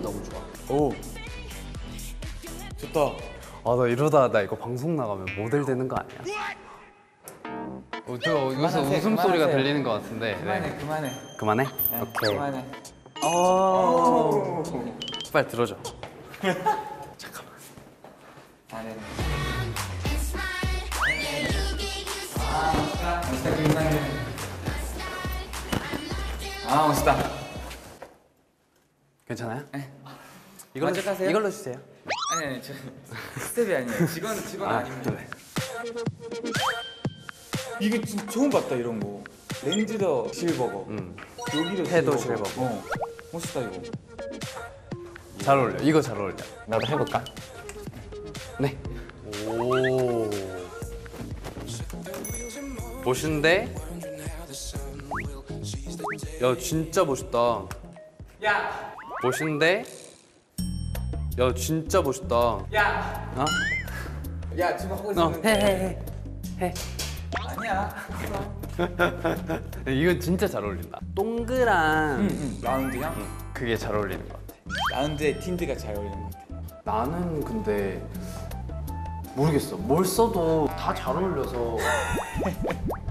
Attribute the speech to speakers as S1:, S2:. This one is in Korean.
S1: 너무 좋아.
S2: 오. 좋다.
S1: 아, 나 이러다 나 이거 방송 나가면 모델 되는 거 아니야? 저 여기서 웃음소리가 들리는 것 같은데.
S2: 그만해, 그만해.
S1: 그만해?
S2: 네,
S1: 오케이.
S2: 그만해.
S1: 빨리 들어줘.
S2: 아, 네. 아, 멋있다.
S1: 괜찮아요?
S2: 네.
S1: 만족하세요? 이걸로 주세요.
S2: 아니, 저 스텝이 아니에요. 직원 아닙니다.
S1: 그래.
S2: 이게 진짜 처음 봤다, 이런 거. 렌즈도 실버거. 여기도
S1: 해도
S2: 실버거.
S1: 실버거.
S2: 멋있다, 이거.
S1: 잘 어울려. 이거 잘 어울려.
S3: 나도 해볼까?
S1: 네. 오. 멋있는데? 야, 진짜 멋있다.
S2: 야!
S1: 멋있는데? 야, 진짜 멋있다.
S2: 야!
S1: 어?
S2: 야, 지금 하고 있었는데.
S1: 해.
S2: 아니야.
S1: 이건 진짜 잘 어울린다. 동그란
S2: 라운드랑
S1: 그게 잘 어울리는 것 같아.
S2: 라운드에 틴트가 잘 어울리는 것 같아.
S1: 나는 근데 모르겠어. 뭘 써도 다 잘 어울려서